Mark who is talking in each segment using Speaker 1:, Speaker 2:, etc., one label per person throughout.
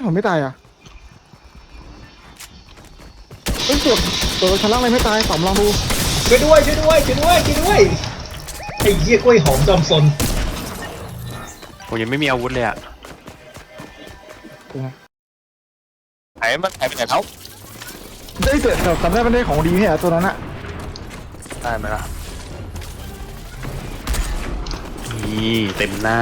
Speaker 1: ผมไม่ตายอ่ะเฮ้ยตัวชั้นล่างอะไรไม่ตายต่อมลองดู
Speaker 2: ช่วยด้วยช่วยด้วยช่วยด้วยช่วยด้วยไอ้เหี้ยกล้วยหอมจอมซน
Speaker 3: ผมยังไม่มีอาวุธเลยอ่ะหายไปไหนเขา
Speaker 1: ได้เกิดจำได้มันได้ของดีไหมอ่ะตัวนั้นอะ
Speaker 3: ได้ไหมล่ะนี่เต็มหน้า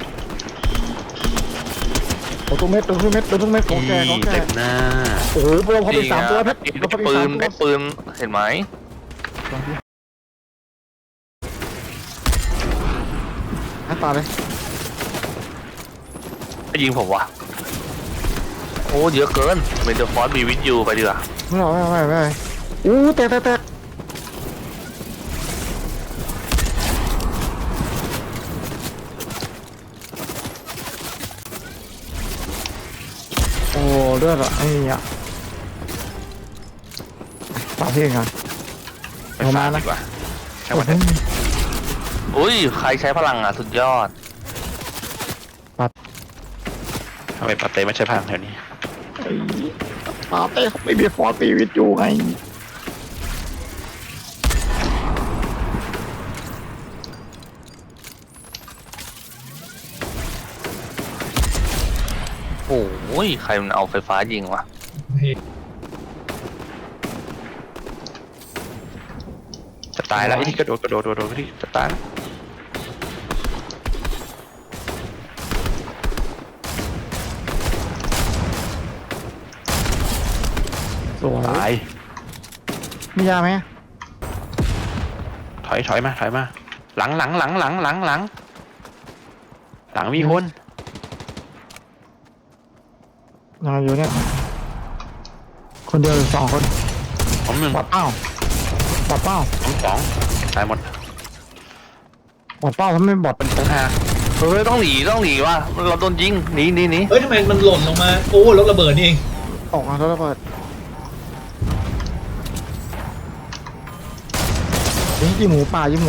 Speaker 1: ตัวเม็ดของแก
Speaker 3: เต็มหน้า
Speaker 1: โอ้โหเราพอไป3 ตัวเพชร
Speaker 3: ไอ้ปืนเห็นไหม
Speaker 1: ตาเลย
Speaker 3: ไปยิงผมวะโอ้เยอะเกินเมนเดอร์ฟอสบีวิทยูไปดีกว่า
Speaker 1: ไม่อู้แตกโอ้เลือดอะไอ้เนี่ยปาเพี้ยงกัน
Speaker 3: เอามาดีกว่าใช่ไหมอุ้ยใครใช้พลังอ่ะสุดยอดทำไมปาเต้ไม่ใช่พลังแถวนี้
Speaker 1: ปาเต้ไม่มีฟอร์ตีวิทยูไง
Speaker 3: โอ้ยใครมันเอาไฟฟ้ายิงวะจะตายแล้วที่กระโดดที่จะตาย
Speaker 1: สวย
Speaker 3: ตาย
Speaker 1: มียาไหม
Speaker 3: ถอยมาหลังมีคน
Speaker 1: นอนอยู่เนี่ยคนเดียวหรือ2 คน
Speaker 3: ผม1
Speaker 1: บอดเป้า
Speaker 3: ผม2ตายหมด
Speaker 1: บอดเป้าทำไมบอด
Speaker 3: เป็น5เฮ้ยต้องหนีว่ะเราโดนยิงหนี
Speaker 2: เฮ้ยทำไมมันหล่นลงมาโอ้รถระเบิดนี่เอง
Speaker 1: ออกมาแล้วระเบิดยิงหมูป่า
Speaker 3: ยิง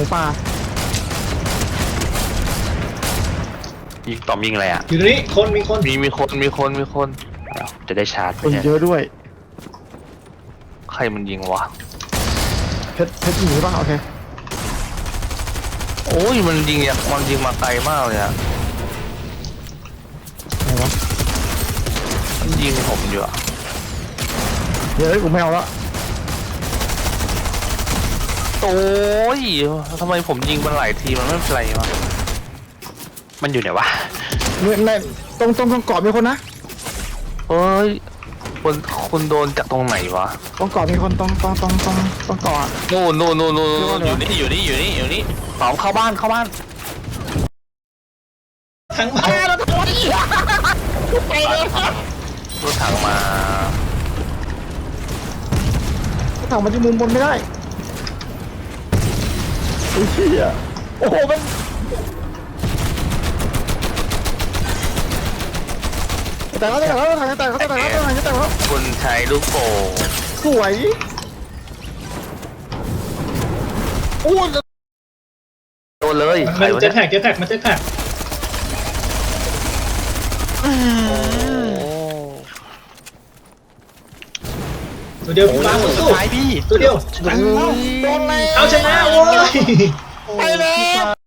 Speaker 3: ต่อยิงอะไรอ่ะ
Speaker 2: อยู่ตรงนี้มี
Speaker 3: คนจะได้ชาร์จ
Speaker 1: คนเยอะด้วย
Speaker 3: ใครมันยิงวะ
Speaker 1: เพชรหนีป่ะโอเค
Speaker 3: โอ้ยมันยิงมาไกลมากเลยอะ
Speaker 1: ไหนวะ
Speaker 3: มันยิงผมอยู่อะ
Speaker 1: เดี๋ยวกูไม่เอาละ
Speaker 3: โอ้ยทำไมผมยิงมันหลายทีมันไม่เป็นไรวะมันอยู่ไหนวะ
Speaker 1: ในตรงเกาะมีคนนะ
Speaker 3: เฮ้ยคุณโดนจากตรงไหนวะ
Speaker 1: ตรงเกาะมีคนตรงเกาะ
Speaker 3: นู่นอยู่นี่หอมเข้าบ้าน
Speaker 2: ทั้งบ้าน
Speaker 3: ไปเลยรถถังมา
Speaker 1: ที่มุมบนไม่ได้โอ้ยเชี่ยโอ้โหมันแต่เขา
Speaker 3: คุณใช้ลูกโป่ง
Speaker 1: สวยโอ้
Speaker 3: โดนเลย
Speaker 2: มันเจ็ตแท็กมันเจ็ตแท็กตัวเดียวพี่บ้าสู้ตัวเดียว
Speaker 1: โดนแล้ว
Speaker 2: เอาชนะโว้ย
Speaker 1: ไปแล้ว